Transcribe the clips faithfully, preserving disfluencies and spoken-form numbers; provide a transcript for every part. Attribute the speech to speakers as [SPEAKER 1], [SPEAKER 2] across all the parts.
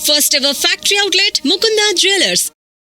[SPEAKER 1] First ever factory outlet, Mukunda Jewelers.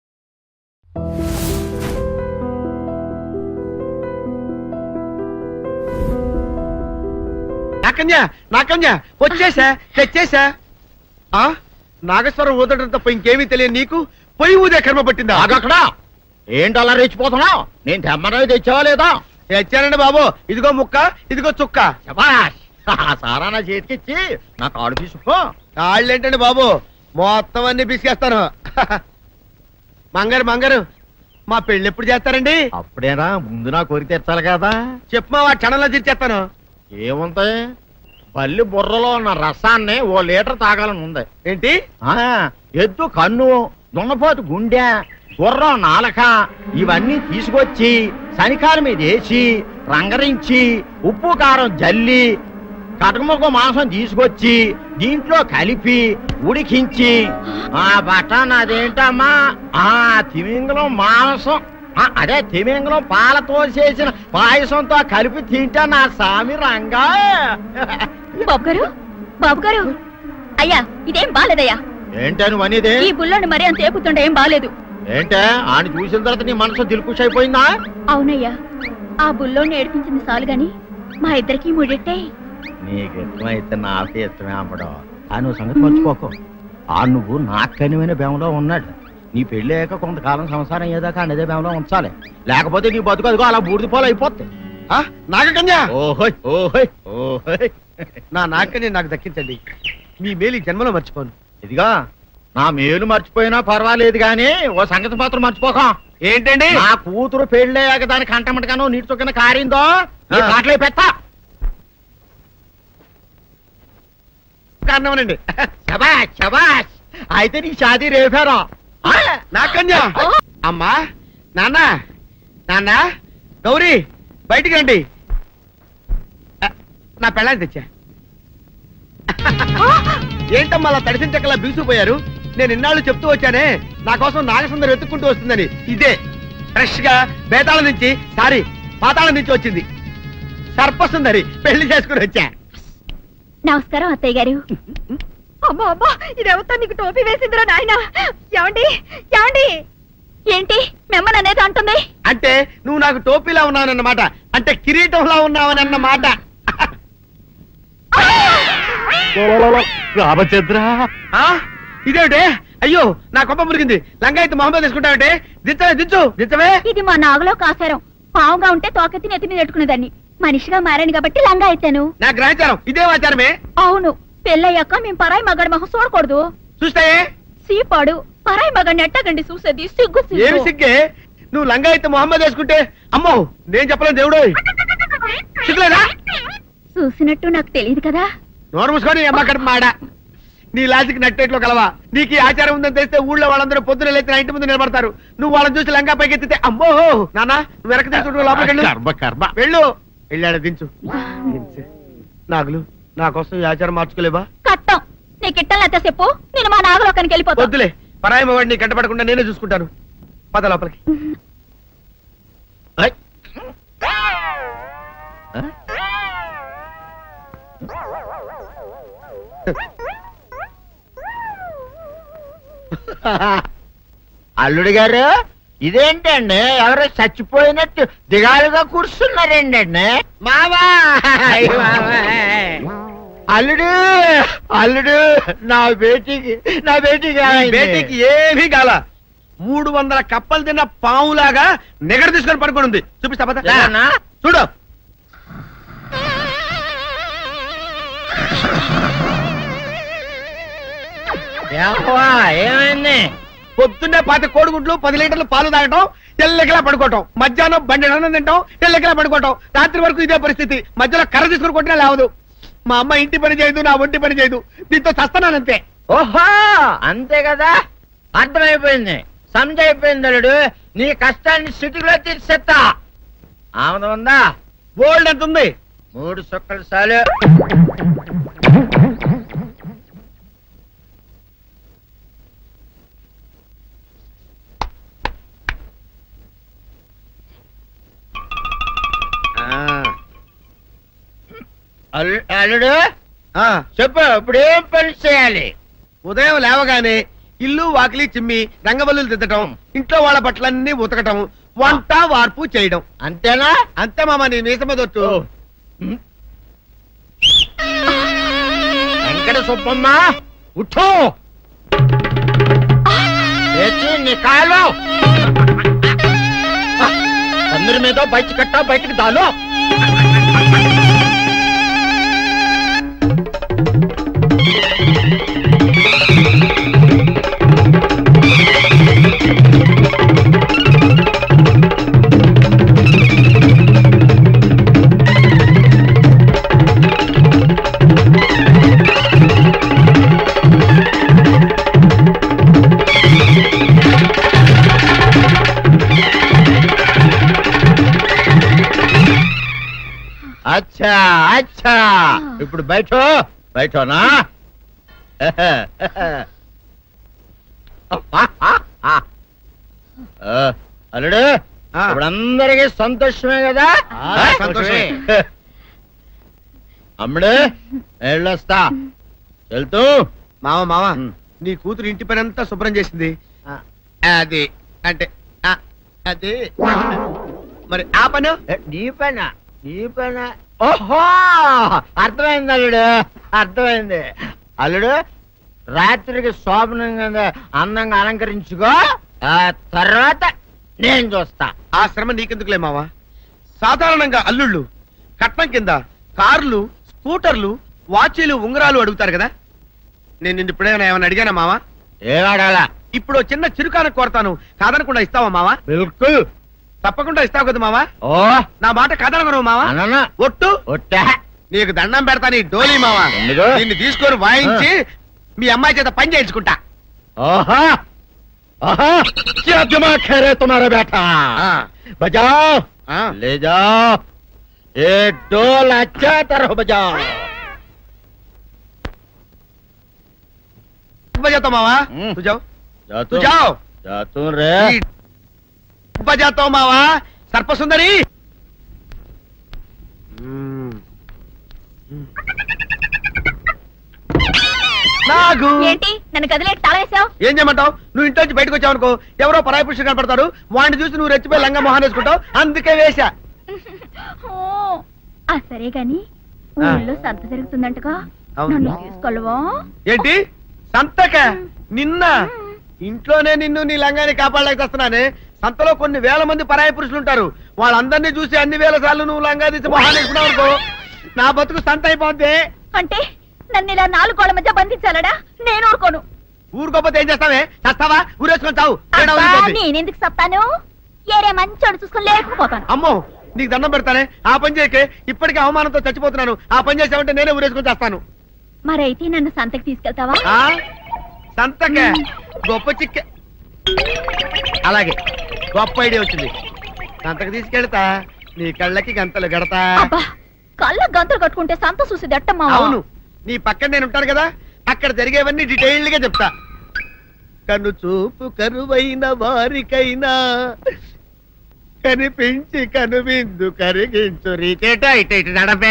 [SPEAKER 2] నాకన్యా నాకన్యా వచ్చేసా తెచ్చేసా ఆ నాగేశ్వరం ఊదటం తప్ప ఇంకేమీ తెలియదు నీకు పొయ్యి ఊదే కర్మ పట్టిందా
[SPEAKER 3] అక్కడ ఏంటి అలా రెచ్చిపోతున్నావు? నేను తెమ్మనవి తెచ్చావా లేదా?
[SPEAKER 2] తెచ్చానండి బాబు, ఇదిగో ముక్క ఇదిగో చుక్క.
[SPEAKER 3] శభాష్. ఆ సారా నా చేతికిచ్చి నా కాడు తీసుకో.
[SPEAKER 2] కాళ్ళేంటండి బాబు, మొత్తం అన్ని బిసికేస్తాను. మంగారు మంగారు మా పెళ్ళి ఎప్పుడు చేస్తారండి?
[SPEAKER 3] అప్పుడేనా, ముందు నా కోరిక తెచ్చాలి కదా.
[SPEAKER 2] చెప్పు మా క్షణంలో తీర్చేస్తాను.
[SPEAKER 3] ఏముంటాయి, బల్లి బుర్రలో ఉన్న రసాన్ని ఓ లీటర్ తాగాలని ఉంది.
[SPEAKER 2] ఏంటి?
[SPEAKER 3] ఆ ఎద్దు కన్ను, దున్నపోతు గుండె, గుర్రం నాలక ఇవన్నీ తీసుకొచ్చి శనికాల మీద వేసి రంగరించి ఉప్పు కారం జల్లి కటకముక్క మాంసం తీసుకొచ్చి దీంట్లో కలిపి ఉడికించి ఆ బటన్ అదేంటమ్మా ఆ తిమింగలం మాంసం అదే తిమింగలం పాలతో చేసిన పాయసంతో కలిపి తింటా నా సామి రంగా.
[SPEAKER 4] బాబు గారు బాబు గారు అయ్యా ఇదేం బాలేదయ్యా.
[SPEAKER 3] ఏంటని వనిదే?
[SPEAKER 4] ఈ బుల్లోని మరీ అంత ఏపుతుండే ఏం బాలేదు.
[SPEAKER 3] ఏంటే ఆయన చూసిన తర్వాత నీ మనసు దిల్కుష్ అయిపోయిందా?
[SPEAKER 4] అవునయ్యా, ఆ బుల్లోని ఏడిపించింది చాలు గాని మా ఇద్దరికి ముడిట్టే.
[SPEAKER 3] నీకు ఇష్టమైతే నాకే ఇష్టమే అమ్మడం. ఆ నువ్వు సంగతి మర్చిపోకు. ఆ నువ్వు నాకు కనివైన బేమలో ఉన్నాడు. నీ పెళ్లి అయ్యాక కొంతకాలం సంసారం అయ్యేదాకా అన్నదే బేమలో ఉంచాలి, లేకపోతే నీ బతుకు అదిగో అలా బూడిద పోలు అయిపోతాయి.
[SPEAKER 2] నాగకన్యా
[SPEAKER 3] ఓహోయ్ ఓహోయ్ ఓహోయ్.
[SPEAKER 2] నా నాగకన్య నాకు దక్కించండి, మీ మేలు జన్మలో మర్చిపోను.
[SPEAKER 3] ఇదిగా నా మేలు మర్చిపోయినా పర్వాలేదు గాని ఓ సంగతి మాత్రం మర్చిపోక.
[SPEAKER 2] ఏంటండి?
[SPEAKER 3] నా కూతురు పెళ్ళయ్యాక దానికి కంటమటగానో నీటి చొక్కన కారిందో కాట్లే పెట్టా.
[SPEAKER 2] కారణమనండి.
[SPEAKER 3] శబాష్ శబాష్. అయితే నీ షాదీ రేపారా?
[SPEAKER 2] నాకన్యా. అమ్మా నాన్న నాన్న గౌరీ బయటికి రండి. నా పెళ్ళాన్ని తెచ్చా. ఏంటమ్మా అలా తడిసిన చెక్కలా బిగుసిపోయారు? నేను ఇన్నాళ్ళు చెప్తూ వచ్చానే నా కోసం నాగసుందరం వెతుక్కుంటూ వస్తుందని. ఇదే ఫ్రెష్ గా బేతాళం నుంచి సారీ పాతాళం నుంచి వచ్చింది సర్పసుందరి. పెళ్లి చేసుకుని వచ్చా.
[SPEAKER 4] నమస్కారం అత్తయ్య గారు. అమ్మా అమ్మా ఇదేవతా నీకు టోపీ వేసిందిరా నాయన. ఏమండి ఏమండి ఏంటి మిమ్మల్ని అనేది అంటుంది?
[SPEAKER 2] అంటే నువ్వు నాకు టోపీలా ఉన్నావనన్నమాట, అంటే కిరీటంలా ఉన్నావనన్నమాట.
[SPEAKER 3] రామచంద్ర
[SPEAKER 2] ఇదేమిటే? అయ్యో నా కొప్ప మురిగింది. లంగా అయితే మొహమ్మద్ తీసుకుంటావంటే దించవే దించు దించవే.
[SPEAKER 4] ఇది మా నాగులో కాసారం. పావుగా ఉంటే తోకెత్తి నెత్తి మీద పెట్టుకునేదాన్ని. మనిషిగా మారాను కాబట్టి లంగా అయితాను.
[SPEAKER 2] నా గ్రహచారం ఇదే ఆచారమే.
[SPEAKER 4] అవును, పెళ్ళయ్యాక మేము పరాయి మగాడి మొహం చూడకూడదు.
[SPEAKER 2] చూస్తాయే
[SPEAKER 4] సీపాడు పరాయి మగాడిని ఎట్టగండి చూసేది. సిగ్గు
[SPEAKER 2] ఏమి సిగ్గే? నువ్వు లంగా అయితే మొహమ్మద్ వేసుకుంటే అమ్మో నేను చెప్పలేను దేవుడు. సిగ్గులేదా?
[SPEAKER 4] చూసినట్టు నాకు తెలియదు కదా.
[SPEAKER 2] నోరు మూసుకొని అమ్మ కడుపు మాడ. నీ లాజిక్ నట్టేట్లో కలవా? నీకు ఈ ఆచారం ఉందని తెలిస్తే ఊళ్ళో వాళ్ళందరూ పొద్దున లేచి నా ఇంటి ముందు నిలబడతారు. నువ్వు వాళ్ళని చూసి లంగా పైకి ఎత్తితే అమ్మో నాన్న నువ్వు వెనక తీసుకుంటూ లోపలికి వెళ్ళు. వెళ్ళాడు దించు. నాగులు నా కోసం ఈ ఆచారం మార్చుకోలేవా?
[SPEAKER 4] కట్టం నీకు ఇట్టలేత చెప్పు. నేను మా నాగలోకానికి వెళ్ళిపోతా.
[SPEAKER 2] వద్దులే, పరాయి వాడిని కంటపడకుండా నేనే చూసుకుంటాను. పద లోపలికి.
[SPEAKER 3] అల్లుడు గారు ఇదేంటండి ఎవరో చచ్చిపోయినట్టు దిగాలుగా కూర్చున్నారేంటండి? మావా అల్లుడు అల్లుడు నా బేటీకి నా బేటీకి
[SPEAKER 2] బేటీకి ఏమీ కాల. మూడు వందల కప్పలు తిన్న పావులాగా నిగడ తీసుకొని పడుకొని ఉంది. చూపిస్తా పద. చూడు
[SPEAKER 3] ఏమైంది?
[SPEAKER 2] పొద్దున్నే పాతి కోడిగుడ్లు పది లీటర్లు పాలు తాగటం, తెల్లకిలా పడుకోవటం, మధ్యాహ్నం బండి అన్నం తింటాం, తెల్లకిలా పడుకోవటం, రాత్రి వరకు ఇదే పరిస్థితి. మధ్యలో కర్ర తీసుకుని కొట్టినా లేవదు. మా అమ్మ ఇంటి పని చేయదు, నా ఒంటి పని చేయదు. దీంతో చస్తున్నానంతే.
[SPEAKER 3] ఓహో అంతే కదా, అర్థమైపోయింది, సంజైపోయింది. అల్లుడు నీ కష్టాన్ని సిటీలో తీర్చేస్తా. ఆమె ఉందా?
[SPEAKER 2] బోల్డ్ ఎంత ఉంది?
[SPEAKER 3] మూడు సుక్కలు చాలు. అల్లుడు చెప్పు, ఇప్పుడు ఏం పని చేయాలి?
[SPEAKER 2] ఉదయం లేవగానే ఇల్లు వాకిలి చిమ్మి రంగవల్లులు దిద్దటం, ఇంట్లో వాళ్ళ బట్టలన్నీ ఉతకటం, వంట వార్పు చేయడం.
[SPEAKER 3] అంతేనా?
[SPEAKER 2] అంతే మామ, నీ మీసమదొట్టు.
[SPEAKER 3] వెంకట సుబ్బమ్మ ఉఠో, లేచి నీ కాలు అందరి మీద బయట కట్ట బయటికి దాలో. అచ్చా అచ్చా, ఇప్పుడు బయట బయటనా? అల్లుడు, ఇప్పుడు అందరికి సంతోషమే కదా?
[SPEAKER 2] ఆ, సంతోషమే.
[SPEAKER 3] అమ్ముడు వెళ్ళొస్తా, వెళ్తూ.
[SPEAKER 2] మామ మామ
[SPEAKER 3] ఉమ్.
[SPEAKER 2] నీ కూతురు ఇంటి పని అంతా శుభ్రం చేసింది. అది అంటే ఆ, అది మరి ఆ పను
[SPEAKER 3] ఏ, నీ పైన నీ పైన. ఓహో, అర్థమైంది అల్లుడు, అర్థమైంది. అల్లుడు, రాత్రికి శోభనంగా అందంగా అలంకరించుకో, ఆ తర్వాత నేను చూస్తా.
[SPEAKER 2] ఆ శ్రమ నీకెందుకులే మావా. సాధారణంగా అల్లుళ్ళు కట్నం కింద కార్లు, స్కూటర్లు, వాచీలు, ఉంగరాలు అడుగుతారు కదా. నేను నిన్ను ఇప్పుడేమైనా ఏమైనా అడిగానా మావా?
[SPEAKER 3] ఏడాడాలా?
[SPEAKER 2] ఇప్పుడు ఓ చిన్న చిరుకాన కోరతాను, కాదనకుండా ఇస్తావా మావా?
[SPEAKER 3] బిల్కుల్.
[SPEAKER 2] తప్పకుండా ఇస్తావు కదా మావా?
[SPEAKER 3] ఓ,
[SPEAKER 2] నా మాట కాదనగను మావా.
[SPEAKER 3] అననా?
[SPEAKER 2] ఒట్టు
[SPEAKER 3] ఒట్టా.
[SPEAKER 2] నీకు దండం పెడతా నీ డోలీ మావా.
[SPEAKER 3] ఎందుకు?
[SPEAKER 2] నిన్ను తీసుకొని వాయించి మీ అమ్మాయి చేత పని చేయించుకుంటా.
[SPEAKER 3] ओहा, ओहा, क्या दिमाग है रे तुम्हारा बेटा? बजाओ,
[SPEAKER 2] हाँ।
[SPEAKER 3] ले जाओ, ये डोल अच्छा तरह बजाओ.
[SPEAKER 2] बजाता मावा,
[SPEAKER 3] हम्म।
[SPEAKER 2] तू जाओ,
[SPEAKER 3] जा
[SPEAKER 2] तू जाओ.
[SPEAKER 3] जा तू रे.
[SPEAKER 2] बजाता हूँ मावा, सर्प सुंदरी. నాగు
[SPEAKER 4] ఏంటి నన్ను కదిలేట్ తాళేసావు?
[SPEAKER 2] ఏం చేయమంటావు? నువ్వు ఇంటి నుంచి బయటకు వచ్చావు అనుకో, ఎవరో పరాయి పురుషుడు కనపడతాడు, వాడిని చూసి నువ్వు రెచ్చిపోయి లంగా మొహాన్ వేసుకుంటావు, అందుకే వేశా.
[SPEAKER 4] ఆ సరే గాని ఊళ్ళో సంత జరుగుతుందంటగా,
[SPEAKER 2] అవును.
[SPEAKER 4] నన్ను తీసుకెళ్ళవా?
[SPEAKER 2] ఏంటి సంతక? నిన్న ఇంట్లోనే నిన్ను నీ లంగాన్ని కాపాడలేక వస్తున్నానే. సంతలో కొన్ని వేల మంది పరాయి పురుషులు ఉంటారు, వాళ్ళందరినీ చూసి అన్ని వేల సార్లు నువ్వు లంగా తీసి మొహాన్ వేసుకున్నావు అనుకో, నా బతుకు సంత అయిపోద్ది.
[SPEAKER 4] అంటే నన్ను ఇలా నాలుగు గోళ్ల మధ్య బంధించాలడా? నేను ఊరుకోను.
[SPEAKER 2] ఊరుకోపోతే ఏం చేస్తావే? చస్తావా? ఊరేసుకొని చావు. తేడా
[SPEAKER 4] అబ్బా,
[SPEAKER 2] వదిలిపోద్ది.
[SPEAKER 4] నేనెందుకు చెప్తాను? ఏరే మంచోడు చూసుకుని లేకపోతాను.
[SPEAKER 2] అమ్మో, నీకు దండం పెడతానే, ఆ పని చేయకే. ఇప్పటికే అవమానంతో చచ్చిపోతున్నాను, ఆ పని చేసావంటే నేనే ఊరేసుకొని చేస్తాను.
[SPEAKER 4] మరైతే నన్ను సంతకి తీసుకెళ్తావా?
[SPEAKER 2] ఆ సంతక గొప్ప చిక్క. అలాగే, గొప్ప ఐడియా వచ్చింది. సంతకు తీసుకెళ్తా, నీ కళ్ళకి గంతలు గడతా.
[SPEAKER 4] అబ్బా, కళ్ళ గంతులు కట్టుకుంటే సంత చూసి దట్టమ్మా.
[SPEAKER 2] అవును, నీ పక్కన నేను ఉంటాను కదా, అక్కడ జరిగేవన్నీ డీటెయిల్డ్ గా చెప్తా. కను చూపు కరువైన వారికైనా కనిపించి కనువిందు కరిగించు రీచేట ఇట ఇటు నడపే.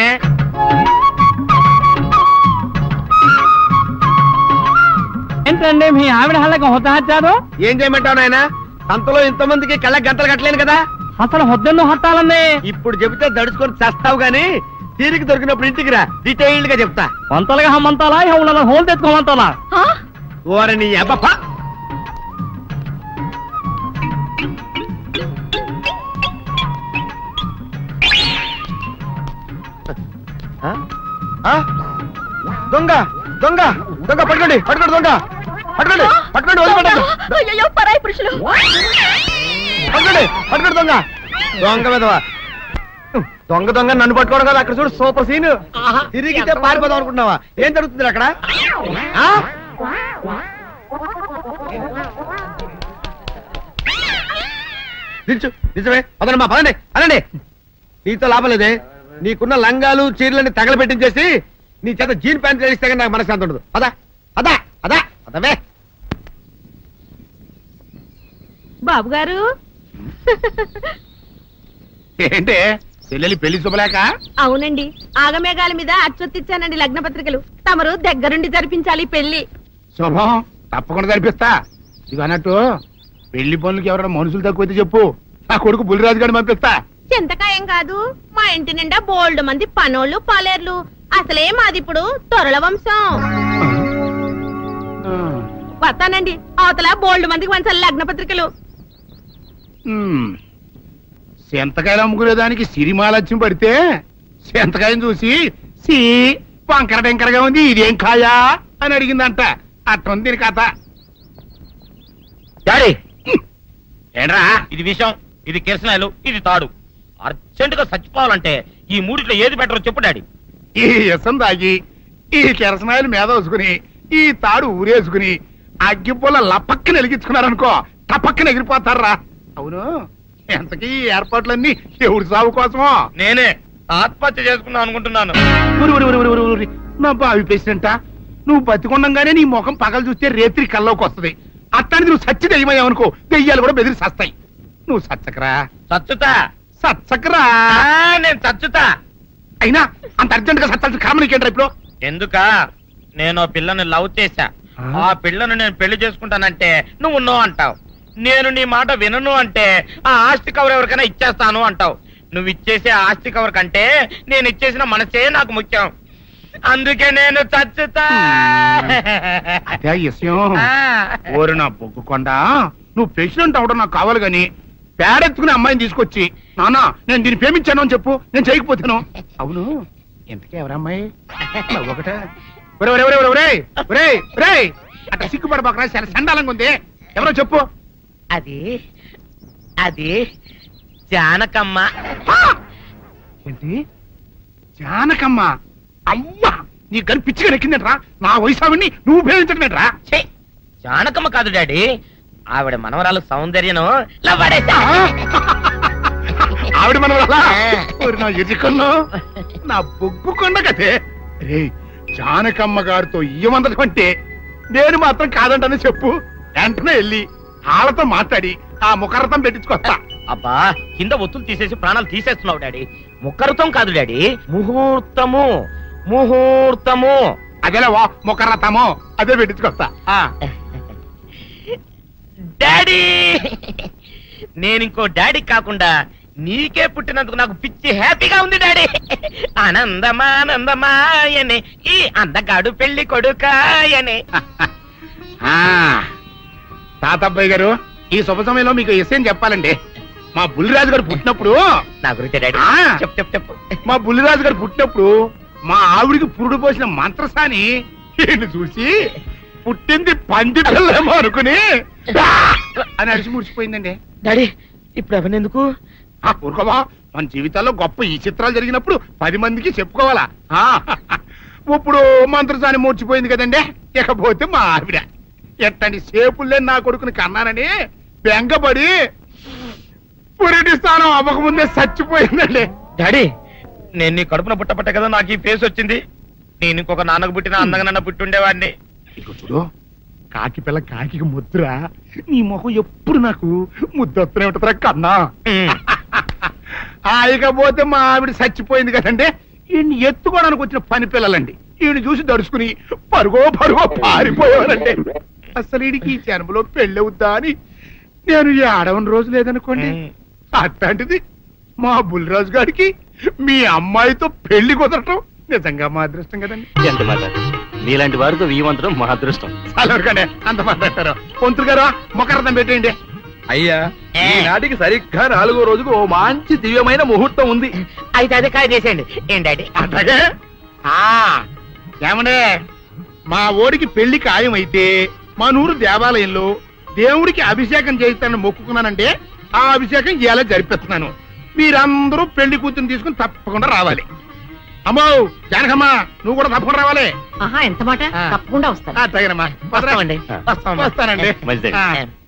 [SPEAKER 5] ఏంటండి మీ ఆవిడ హల్లకి హొద్ద హచ్చారు?
[SPEAKER 2] ఏం చేయమంటావు నాయన? సంతలో ఇంతమందికి కళ్ళకి గంతలు కట్టలేను కదా.
[SPEAKER 5] అసలు హొద్దెన్ను హత్తాలండి.
[SPEAKER 2] ఇప్పుడు చెబితే దడుచుకొని చేస్తావు గాని, తీరికి దొరికినప్పుడు ఇంటికి రా, డీటెయిల్డ్ గా చెప్తా.
[SPEAKER 5] వంతలుగా హమ్మంతాలా ఇవాళ హోల్ తెచ్చుకోమంతాలా?
[SPEAKER 4] ఆ?
[SPEAKER 2] ఓరని అబ్బప్ప. ఆ? ఆ? దొంగ దొంగ దొంగ పట్టుకోండి, పట్టుకోండి, దొంగ పట్టుకోండి, పట్టుకోండి, వదిలిపెట్టండి.
[SPEAKER 4] అయ్యయ్యో, పరాయి పురుషులు.
[SPEAKER 2] పట్టుకోండి, పట్టుకోండి, దొంగ దొంగ విధవా. దొంగ దొంగ నన్ను పట్టుకోవడం కదా. అక్కడ చూడు, సూపర్ సీన్. తిరిగితే పారిపోదాం అనుకుంటున్నావా? ఏం జరుగుతుంది అక్కడ? ఆ? నిల్చు, నిజమే. పదండి, పదండి, అనండి. నీతో లాభం లేదే. నీకున్న లంగాలు చీరలని తగలబెట్టించేసి నీ చేత జీన్ ప్యాంట్ తెలిస్తే కానీ నాకు మనశ్శాంతి ఉండదు. అదా అదా అదా అదవే.
[SPEAKER 6] బాబు గారు,
[SPEAKER 2] ఏంటే చెల్లెలి పెళ్లి శుభలేక?
[SPEAKER 6] అవునండి, ఆగమేఘాల మీద అచ్చొత్తిచ్చానండి లగ్న పత్రికలు. తమరు దగ్గరుండి జరిపించాలి పెళ్లి.
[SPEAKER 2] శుభం, తప్పకుండా జరిపిస్తా. ఇక అన్నట్టు పెళ్లి పనులకి ఎవరైనా మనుషులు తక్కువైతే చెప్పు, నా కొడుకు బుల్లిరాజు గారిని పంపిస్తా.
[SPEAKER 6] చింతకాయం కాదు, మా ఇంటి నిండా బోల్డ్ మంది పనోళ్ళు పాలేర్లు. అసలే మాది ఇప్పుడు తొరల వంశం.
[SPEAKER 2] ఆ,
[SPEAKER 6] వస్తానండి, అవతల బోల్డ్ మందికి వంచాలి లగ్న పత్రికలు.
[SPEAKER 2] ఉమ్. సెంతకాయలు అమ్ముకునేదానికి సిరిమాలత్యం పడితే సెంతకాయని చూసి సి వంకర టెంకరగా ఉంది, ఇదేం కాయా అని అడిగిందంట. అట్టుంది దీని కథ.
[SPEAKER 3] డాడీ ఏంట్రా ఇది విషయం, ఇది కిరసనాయలు, ఇది తాడు. అర్జెంట్ గా చచ్చిపోవాలంటే ఈ మూడిట్లో ఏది బెటర్ చెప్పు డాడీ.
[SPEAKER 2] ఈ ఇసం తాగి ఈ కిరసనాయలు మీద వేసుకుని ఈ తాడు ఊరేసుకుని అగ్గిపుల్ల లపక్కన వెలిగించుకున్నారనుకో, టపక్కన ఎగిరిపోతారా. అవును, ఎంతకీ ఈ ఏర్పాట్లన్నీ ఎవరి సాగు కోసమో?
[SPEAKER 3] నేనే ఆత్మహత్య చేసుకుందాం అనుకుంటున్నాను.
[SPEAKER 2] ఊరి, ఊరి, ఊరి, ఊరి, ఊరి. నా బావి పేసినంట నువ్వు బతికొండంగానే నీ ముఖం పగలు చూస్తే రేత్రి కల్లోకి వస్తుంది. అట్టానికి నువ్వు సచ్చి దెయ్యమయ్యావనుకో, దెయ్యాలు కూడా బెదిరి సస్తాయి. నువ్వు సచ్చకరా,
[SPEAKER 3] చచ్చుతా.
[SPEAKER 2] సచ్చకరా.
[SPEAKER 3] ఆ, నేను చచ్చుతా.
[SPEAKER 2] అయినా అంత అర్జెంట్ గా సత్తాల్సిన కారణం నీకేంట్రా ఇప్పుడు?
[SPEAKER 3] ఎందుక నేను ఆ పిల్లని లవ్ చేశా.
[SPEAKER 2] ఆ?
[SPEAKER 3] ఆ పిల్లను నేను పెళ్లి చేసుకుంటానంటే నువ్వు నో అంటావు. నేను నీ మాట వినను అంటే ఆ ఆస్తి కవర్ ఎవరికైనా ఇచ్చేస్తాను అంటావు. నువ్వు ఇచ్చేసే ఆస్తి కవర్ కంటే నేను ఇచ్చేసిన మనసే నాకు ముఖ్యం. అందుకే నేను చచ్చుతా.
[SPEAKER 2] అదే ఈ విషయం.
[SPEAKER 3] ఆ.
[SPEAKER 2] ఓరి నా బొగ్గుకొండ, నువ్వు ప్రెసిడెంట్ అవడం నాకు కావాలి గాని పేడెత్తుకునే అమ్మాయిని తీసుకొచ్చి నానా నేను దీన్ని ప్రేమించాను అని చెప్పు, నేను చేయకపోతాను. అవును, ఎంతకే ఎవరమ్మాయి? ఒకటే అట్లా సిగ్గుపడబాకరా, చాలా సండాలంగా ఉంది. ఎవరో చెప్పు.
[SPEAKER 3] అది అది జానకమ్మ.
[SPEAKER 2] ఏంటి జానకమ్మ? అమ్మా, నీ గని పిచ్చిగా నెక్కిందంట్రా. నా వయసావిని నువ్వు ప్రేమించడమేట్రా?
[SPEAKER 3] ఛీ, జానకమ్మ కాదు డాడీ, ఆవిడ మనవరాలు సౌందర్యను
[SPEAKER 2] ఆవిడ మన నా ఎదుకల్లో నా బొగ్గు కొండ కదే. రే, జానకమ్మ గారితో ఇయ్యమందడం అంటే నేను మాత్రం కాదంటని చెప్పు. వెంటనే వెళ్ళి వాళ్ళతో మాట్లాడి ఆ ముఖరథం పెట్టించుకొస్తా.
[SPEAKER 3] అబ్బా, కింద ఒత్తులు తీసేసి ప్రాణాలు తీసేస్తున్నావు డాడీ. ముఖరుతం కాదు డాడీ, ముహూర్తము. ముహూర్తము
[SPEAKER 2] అదేలా వా ముఖరథము, అదే పెట్టించుకొస్తా. ఆ,
[SPEAKER 3] డాడీ, నేను ఇంకో డాడీ కాకుండా నీకే పుట్టినందుకు నాకు పిచ్చి హ్యాపీగా ఉంది డాడీ. ఆనందమానందమాయనే ఈ అందగాడు పెళ్లి కొడుకాయనే.
[SPEAKER 2] ఆ, తాతబ్బాయి గారు, ఈ శుభ సమయంలో మీకు విషయం చెప్పాలండి. మా బుల్లిరాజు గారు పుట్టినప్పుడు
[SPEAKER 3] నా గురించి డాడీ
[SPEAKER 2] ఆ.
[SPEAKER 3] చెప్పు చెప్పు చెప్పు.
[SPEAKER 2] మా బుల్లిరాజు గారు పుట్టినప్పుడు మా ఆవిడికి పురుడు పోసిన మంత్రసాని ఈయన్ని చూసి పుట్టింది పంది పిల్లేమో అనుకుని "ఆ!" అని అరిచి ముడిచిపోయిందండి.
[SPEAKER 3] డాడీ ఇప్పుడు అవన్నీ ఎందుకు?
[SPEAKER 2] ఆ ఊరుకోవా, మన జీవితాల్లో గొప్ప ఈ చిత్రాలు జరిగినప్పుడు పది మందికి చెప్పుకోవాలా. ఆ, ఇప్పుడు మంత్రసాని మూర్చిపోయింది కదండి. ఇకపోతే మా ఆవిడ ఎట్టండి సేపుల్లే నా కొడుకుని కన్నానని బెంగపడి పురిటి స్థానం అవ్వకముందే చచ్చిపోయిందండి.
[SPEAKER 3] డాడీ, నేను నీ కడుపున పుట్టపట్ట కదా నాకు ఈ ఫేస్ వచ్చింది. నేను ఇంకొక నాన్నకు పుట్టిన అందంగా నన్ను పుట్టుండేవాడిని.
[SPEAKER 2] ఇక చూడు, కాకి పిల్ల కాకి ముద్దురా, నీ మొహం ఎప్పుడు నాకు ముద్దొస్తూనే ఉంటుందిరా కన్నా. ఆ, ఇకపోతే మా ఆవిడ చచ్చిపోయింది కదండి. ఈయన్ని ఎత్తుకోవడానికి వచ్చిన పని పిల్లలండి. ఈయన చూసి దడుచుకుని పరుగో పరుగో పారిపోయేవారండి. అసలు ఈడికి ఈ జన్మలో పెళ్ళవుద్దా అని నేను ఈ ఆడవని రోజు లేదనుకోండి. అట్లాంటిది మా బుల్లిరాజు గారికి మీ అమ్మాయితో పెళ్లి కుదరటం నిజంగా మా అదృష్టం కదండి.
[SPEAKER 7] ఎంత మాట, మీలాంటి వారితో వీయమంతరం మా అదృష్టం.
[SPEAKER 2] అలాగనే అంత మాట్లాడతారు. పొంతులు గారు మొకరదం పెట్టేయండి.
[SPEAKER 8] అయ్యా, ఈనాటికి సరిగ్గా నాలుగో రోజుకు ఓ మంచి దివ్యమైన ముహూర్తం ఉంది.
[SPEAKER 3] అయితే అదే కాయ చేసేయండి. ఏం డాడీ?
[SPEAKER 2] అట్లాగే. ఆ, ఏమండే, మా ఓడికి పెళ్లి ఖాయమైతే మా నూరు దేవాలయంలో దేవుడికి అభిషేకం చేయిస్తానని మొక్కుకున్నానంటే ఆ అభిషేకం ఇలా జరిపిస్తున్నాను. మీరందరూ పెళ్లి కూతురు తీసుకుని తప్పకుండా రావాలి. అమ్మో జానకమ్మ, నువ్వు కూడా తప్పకుండా రావాలి.
[SPEAKER 6] ఆహా, ఎంత మాట.
[SPEAKER 2] ఆ.
[SPEAKER 6] తప్పకుండా వస్తాను.
[SPEAKER 2] తగినమ్మా,
[SPEAKER 3] వస్తామండి. వస్తాం.
[SPEAKER 2] వస్తానండి.
[SPEAKER 7] మంచిదండి.
[SPEAKER 2] ఆ.